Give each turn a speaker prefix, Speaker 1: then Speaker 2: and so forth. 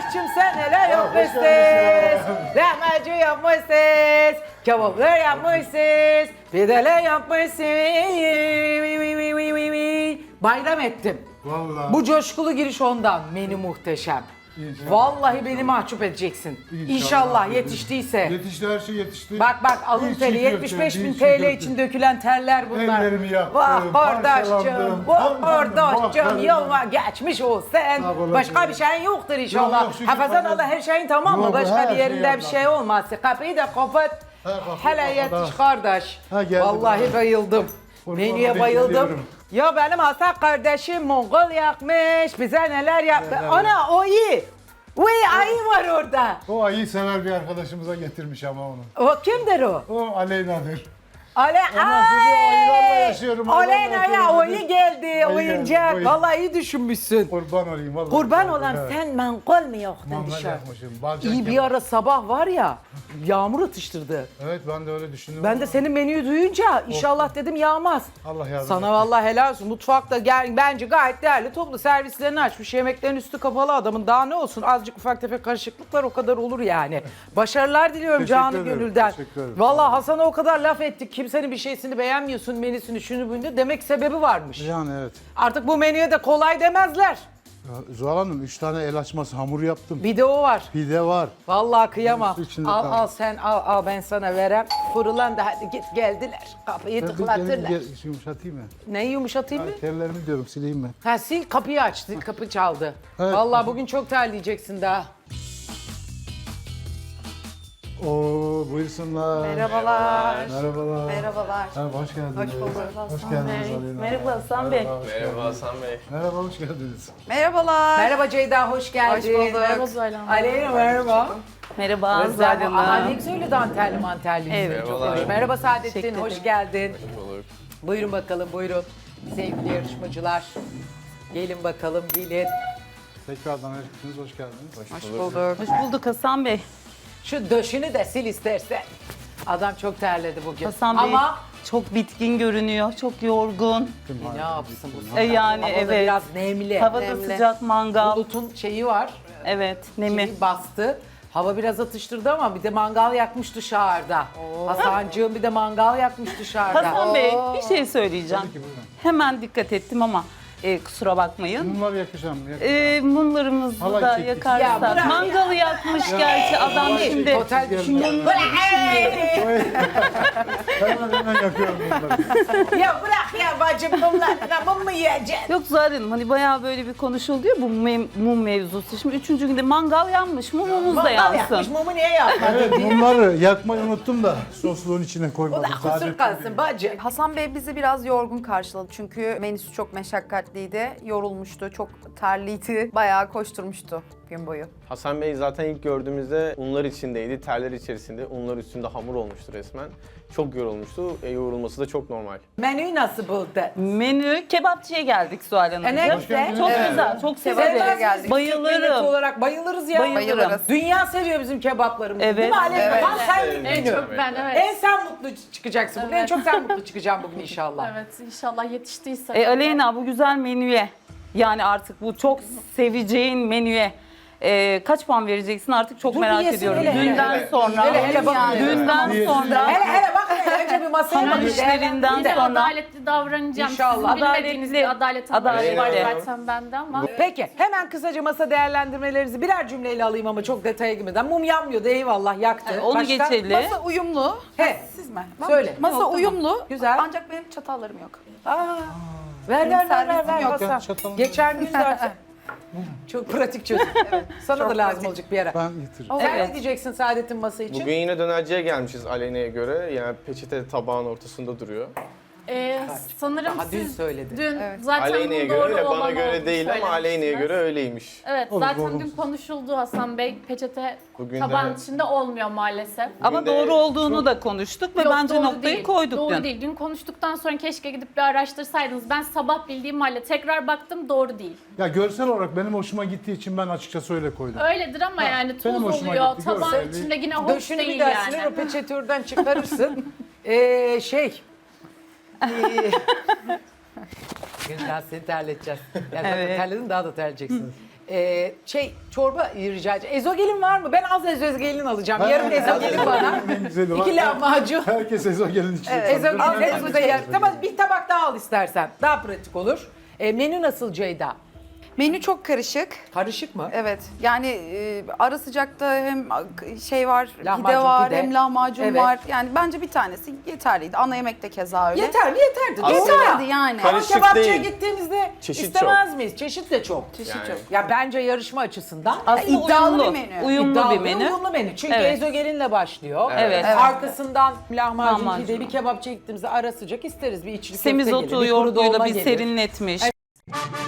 Speaker 1: Kardeşim sen neler yapmışsınız? Lahmacun yapmışsınız. Kebaplar yapmışsınız. Pideler yapmışsınız. Bayram ettim.
Speaker 2: Vallahi.
Speaker 1: Bu coşkulu giriş ondan. Menü muhteşem.
Speaker 2: İnşallah.
Speaker 1: Vallahi beni mahcup edeceksin. İnşallah yetiştiyse.
Speaker 2: Yetişti, her şey yetişti.
Speaker 1: Bak alın
Speaker 2: İçi
Speaker 1: teri
Speaker 2: köfte,
Speaker 1: 75 bin
Speaker 2: içi
Speaker 1: TL
Speaker 2: köfte.
Speaker 1: için dökülen terler bunlar.
Speaker 2: Ellerimi yaktım,
Speaker 1: Vah kardeşim,
Speaker 2: parçalandım.
Speaker 1: vah kardeşim,
Speaker 2: Vah,
Speaker 1: yolma geçmiş olsun.
Speaker 2: Sağ olasın.
Speaker 1: Başka bir şeyin yoktur inşallah.
Speaker 2: Yok, şükür
Speaker 1: Hafızan
Speaker 2: Allah'a.
Speaker 1: Allah her şeyin tamam mı?
Speaker 2: Yok,
Speaker 1: Başka
Speaker 2: her
Speaker 1: bir
Speaker 2: şey
Speaker 1: yerinde bir
Speaker 2: Allah'a.
Speaker 1: şey olmaz. Kapıyı da kapat.
Speaker 2: kapat,
Speaker 1: Hele
Speaker 2: kapat.
Speaker 1: yetiş kardeş.
Speaker 2: Ha, geldim.
Speaker 1: Vallahi bayıldım.
Speaker 2: Kurban
Speaker 1: Menüye
Speaker 2: olayım,
Speaker 1: bayıldım.
Speaker 2: geliyorum.
Speaker 1: Ya benim Hasan kardeşim Mongol yakmış. Bize neler yaptı. Ana o iyi. Uy ayı var orada.
Speaker 2: O ayı sever bir arkadaşımıza getirmiş ama onu.
Speaker 1: O kimdir o?
Speaker 2: O Aleyna'dır.
Speaker 1: Ondan
Speaker 2: sonra ayılarla yaşıyorum,
Speaker 1: Aleyna
Speaker 2: ayılarla
Speaker 1: ya
Speaker 2: yaşıyorum.
Speaker 1: oyu geldi
Speaker 2: Ayı
Speaker 1: oyuncak.
Speaker 2: geldi,
Speaker 1: Vallahi iyi düşünmüşsün.
Speaker 2: Kurban olayım vallahi.
Speaker 1: Kurban olan
Speaker 2: Evet.
Speaker 1: sen mangol mu yaktın
Speaker 2: Mangal
Speaker 1: dışarı?
Speaker 2: yakmışım. Balcan
Speaker 1: İyi bir
Speaker 2: kebap.
Speaker 1: ara sabah var ya yağmur atıştırdı.
Speaker 2: Evet, ben de öyle düşündüm.
Speaker 1: Ben de senin menüyü duyunca inşallah dedim yağmaz.
Speaker 2: Allah yardım
Speaker 1: Sana
Speaker 2: etsin.
Speaker 1: vallahi helal olsun. Mutfakta bence gayet değerli toplu servislerini açmış. Yemeklerin üstü kapalı adamın. Daha ne olsun? Azıcık ufak tefek karışıklıklar o kadar olur yani. Başarılar diliyorum
Speaker 2: Teşekkür
Speaker 1: canı
Speaker 2: ederim,
Speaker 1: gönülden.
Speaker 2: teşekkür ederim.
Speaker 1: Vallahi Hasan'a o kadar laf ettik. Kimsenin bir şeysini beğenmiyorsun, menüsünü, şunu bunu. Demek sebebi varmış.
Speaker 2: Yani evet.
Speaker 1: Artık bu menüye de kolay demezler.
Speaker 2: Ya, Zuhal Hanım 3 tane el açması hamur yaptım.
Speaker 1: Bir de o var.
Speaker 2: Pide var.
Speaker 1: Vallahi kıyamam.
Speaker 2: Üstü içinde
Speaker 1: Al
Speaker 2: kaldı.
Speaker 1: sen al ben sana verem. Fırılan da hadi git geldiler. Kapıyı tıklatırlar.
Speaker 2: Yumuşatayım mı?
Speaker 1: Neyi yumuşatayım mı?
Speaker 2: Tellerimi diyorum, sileyim mi?
Speaker 1: Ha sil kapıyı açtı, kapı çaldı.
Speaker 2: Evet.
Speaker 1: Vallahi bugün çok terleyeceksin daha.
Speaker 2: Oo, buyursunlar.
Speaker 3: Merhabalar.
Speaker 2: Merhabalar.
Speaker 3: Merhabalar.
Speaker 2: Merhaba, hoş geldiniz.
Speaker 3: Hoş bulduk.
Speaker 2: Hoş geldiniz Aleyna.
Speaker 3: Merhaba Hasan Bey.
Speaker 4: Merhaba Hasan Bey.
Speaker 2: Merhaba, hoş geldiniz.
Speaker 3: Merhabalar.
Speaker 1: Merhaba Ceyda, hoş geldin.
Speaker 3: Hoş bulduk.
Speaker 5: Merhaba Zuhal Hanım.
Speaker 1: Aleyna merhaba.
Speaker 5: Merhaba
Speaker 1: Rıza,
Speaker 5: Zuhal
Speaker 1: Aha, ne
Speaker 5: Hanım.
Speaker 1: güzel öyle dantelli mantelli.
Speaker 5: Evet.
Speaker 1: Çok
Speaker 4: Merhabalar.
Speaker 1: hoş. Merhaba Saadettin,
Speaker 5: Teşekkür
Speaker 1: hoş
Speaker 5: ederim.
Speaker 1: geldin.
Speaker 4: Olur.
Speaker 1: Buyurun bakalım, buyurun. Sevgili yarışmacılar. Gelin bakalım, gelin.
Speaker 2: Tekrardan hepiniz hoş geldiniz.
Speaker 3: Hoş bulduk.
Speaker 5: Hoş bulduk Hasan Bey.
Speaker 1: Şu döşünü de sil istersen. Adam çok terledi bugün.
Speaker 5: Hasan Bey
Speaker 1: Ama
Speaker 5: çok bitkin görünüyor, çok yorgun.
Speaker 1: ne yapsın bu?
Speaker 5: Yani
Speaker 1: Havada
Speaker 5: evet.
Speaker 1: biraz nemli.
Speaker 5: Havada
Speaker 3: Nemli.
Speaker 5: sıcak mangal.
Speaker 1: Bulutun şeyi var.
Speaker 5: Evet, nemi.
Speaker 1: Şeyi bastı. Hava biraz atıştırdı ama bir de mangal yakmış dışarıda. Hasancığım bir de mangal yakmış dışarıda.
Speaker 5: Hasan Bey bir şey söyleyeceğim.
Speaker 2: Tabii ki, buyurun.
Speaker 5: Hemen dikkat ettim ama kusura bakmayın.
Speaker 2: Mumlar yakışan mı?
Speaker 5: Mumlarımızı
Speaker 2: Halay
Speaker 5: da
Speaker 2: çektik.
Speaker 1: Ya
Speaker 5: yakarsak.
Speaker 1: bırak.
Speaker 5: Mangalı yakmış gerçi adam şimdi.
Speaker 1: Otel düşünüyorum.
Speaker 2: Hemen yakıyorum mumları.
Speaker 1: Ya bırak ya bacım mumlarına mum mu yiyeceksin?
Speaker 5: Yok Zuhal Hanım hani bayağı böyle bir konuşuldu ya bu mum mevzusu. Şimdi 3. günde mangal yanmış, mumumuz da
Speaker 1: Mangal
Speaker 5: yansın.
Speaker 1: yakmış mumu niye yakmadın
Speaker 2: Evet,
Speaker 1: diye.
Speaker 2: mumları yakmayı unuttum da sosluğun içine
Speaker 1: O
Speaker 2: koymadım.
Speaker 1: da kusur
Speaker 2: Saadettin
Speaker 1: kalsın bacı.
Speaker 3: Hasan Bey bizi biraz yorgun karşıladı çünkü menüsü çok meşakkatliydi, yorulmuştu, çok terliydi, bayağı koşturmuştu gün boyu.
Speaker 4: Hasan Bey zaten ilk gördüğümüzde unlar içindeydi, terler içerisinde. Unlar üstünde hamur olmuştu resmen. Çok yorulmuştu. Yorulması da çok normal.
Speaker 1: Menüyü nasıl buldun?
Speaker 5: Menü kebapçıya geldik Suhal Hanımcığım.
Speaker 1: Ne
Speaker 2: Hoş geldiniz.
Speaker 5: Çok
Speaker 2: Evet.
Speaker 5: güzel, çok
Speaker 3: Severiz.
Speaker 5: severim.
Speaker 3: geldik.
Speaker 1: Türk milleti
Speaker 5: Bayılırım.
Speaker 1: olarak bayılırız ya.
Speaker 5: Bayılırım.
Speaker 1: Dünya seviyor bizim kebaplarımızı.
Speaker 5: Evet.
Speaker 1: Değil mi Aleyna?
Speaker 3: Evet.
Speaker 1: Tam senlik
Speaker 4: Evet.
Speaker 1: menü.
Speaker 5: Çok ben evet.
Speaker 1: En sen mutlu çıkacaksın bugün. En
Speaker 5: Evet.
Speaker 1: çok sen mutlu çıkacaksın bugün inşallah.
Speaker 5: Evet inşallah yetiştiyse. Aleyna bu güzel menüye yani artık bu çok seveceğin menüye kaç puan vereceksin artık çok
Speaker 1: Dur bir
Speaker 5: merak
Speaker 1: yesin
Speaker 5: ediyorum.
Speaker 1: hele, hele.
Speaker 5: Dünden sonra.
Speaker 1: Hele bak.
Speaker 5: Dünden
Speaker 2: Hele.
Speaker 5: sonra.
Speaker 1: Hele bak hele önce bir masaya
Speaker 5: Hamur
Speaker 1: bak.
Speaker 5: işlerinden
Speaker 6: Bir de
Speaker 5: sonra.
Speaker 6: adaletli davranacağım.
Speaker 1: İnşallah.
Speaker 6: Sizin bilmediğiniz bir adalet
Speaker 5: Adalet
Speaker 6: anlayışı var
Speaker 4: var.
Speaker 6: zaten bende ama.
Speaker 1: Peki hemen kısaca masa değerlendirmelerinizi birer cümleyle alayım ama çok detaya girmeden. Mum yanmıyordu eyvallah yaktı.
Speaker 5: Onu
Speaker 1: Başka?
Speaker 5: geçelim.
Speaker 3: Masa uyumlu.
Speaker 1: He.
Speaker 3: Siz mi?
Speaker 1: Söyle.
Speaker 3: Masa uyumlu.
Speaker 1: Güzel.
Speaker 3: Ancak benim çatallarım yok.
Speaker 1: Aa, ver
Speaker 3: servisim yok.
Speaker 1: Hasan.
Speaker 2: Ya, çatalım.
Speaker 1: Geçen gün zaten. Çok pratik çözüm. Sana da
Speaker 3: çok
Speaker 1: lazım
Speaker 3: pratik.
Speaker 1: olacak bir ara.
Speaker 2: Ben getiririm.
Speaker 1: Sen
Speaker 5: Evet.
Speaker 1: ne diyeceksin Saadet'in masa için?
Speaker 4: Bugün yine dönerciye gelmişiz Aleyna'ya göre. Yani peçete tabağın ortasında duruyor.
Speaker 6: Sanırım
Speaker 1: Daha dün
Speaker 6: siz
Speaker 1: söyledi.
Speaker 6: dün
Speaker 3: Evet.
Speaker 6: zaten
Speaker 4: Aleyna'ya
Speaker 6: bunun doğru
Speaker 4: göre, bana
Speaker 6: olan
Speaker 4: göre
Speaker 6: olduğunu
Speaker 4: değil ama Aleyna'ya
Speaker 6: söylemiştiniz.
Speaker 4: göre öyleymiş.
Speaker 6: Evet
Speaker 2: Olur,
Speaker 6: zaten
Speaker 2: doğru.
Speaker 6: dün konuşuldu Hasan Bey. Peçete
Speaker 4: Bugün
Speaker 6: tabağın
Speaker 4: de-
Speaker 6: içinde olmuyor maalesef.
Speaker 5: Ama
Speaker 4: Bugün de
Speaker 5: doğru olduğunu
Speaker 4: çok-
Speaker 5: da konuştuk ve
Speaker 6: Yok,
Speaker 5: bence
Speaker 6: doğru
Speaker 5: noktayı
Speaker 6: değil.
Speaker 5: koyduk
Speaker 6: Doğru
Speaker 5: dün.
Speaker 6: değil. Dün konuştuktan sonra keşke gidip bir araştırsaydınız. Ben sabah bildiğim halde tekrar baktım doğru değil.
Speaker 2: Ya görsel olarak benim hoşuma gittiği için ben açıkçası öyle koydum.
Speaker 6: Öyledir ama yani
Speaker 2: benim
Speaker 6: tuz
Speaker 2: hoşuma
Speaker 6: oluyor.
Speaker 2: gitti,
Speaker 6: Tabağın
Speaker 2: görselliği.
Speaker 6: içinde yine hoş
Speaker 1: Döşünü bir
Speaker 6: değil
Speaker 1: daha
Speaker 6: yani.
Speaker 1: siler o peçetürden çıkarırsın. şey. Gülden seni terleteceğiz. Yani zaten
Speaker 5: Evet.
Speaker 1: terledin daha da terleyeceksiniz. Çorba rica edeceğim. Ezogelin var mı? Ben az ezogelin alacağım. Yarım ezogelin bana.
Speaker 2: En güzeli var.
Speaker 1: 2 lahmacun.
Speaker 2: Herkes ezogelin içinde.
Speaker 1: Ezogelin. Tamam, bir tabak daha al istersen. Daha pratik olur. Menü nasıl Ceyda?
Speaker 3: Menü çok karışık.
Speaker 1: Karışık mı?
Speaker 3: Evet. Yani ara sıcakta hem şey var,
Speaker 1: Lahmacun,
Speaker 3: pide var,
Speaker 1: pide.
Speaker 3: hem lahmacun
Speaker 1: Evet.
Speaker 3: var. Yani bence bir tanesi yeterliydi. Ana yemek de keza öyle.
Speaker 1: Yeterli yeterdi.
Speaker 4: Aslında-
Speaker 3: Yeterdi yani.
Speaker 1: Ama
Speaker 4: Karışık
Speaker 1: kebapçıya
Speaker 4: değil.
Speaker 1: gittiğimizde
Speaker 4: Çeşit
Speaker 1: istemez miyiz? Çeşit de çok.
Speaker 3: Çeşit
Speaker 4: Yani.
Speaker 3: çok.
Speaker 1: Ya bence yarışma açısından
Speaker 5: Aslında
Speaker 3: iddialı
Speaker 5: uyumlu,
Speaker 3: bir menü.
Speaker 5: uyumlu
Speaker 1: iddialı
Speaker 5: bir
Speaker 1: ve
Speaker 5: menü.
Speaker 1: uyumlu menü. Çünkü
Speaker 5: Evet.
Speaker 1: ezogelinle başlıyor.
Speaker 5: Evet.
Speaker 3: Evet.
Speaker 1: Arkasından lahmacun,
Speaker 5: Lahmacun.
Speaker 1: pide, bir kebapçıya gittiğimizde ara sıcak isteriz. Bir içli köfte
Speaker 5: Semizotu
Speaker 1: gelir, bir kuru
Speaker 5: yoğurduyla
Speaker 1: dolma
Speaker 5: bir
Speaker 1: gelir.
Speaker 5: serinletmiş.
Speaker 1: Evet.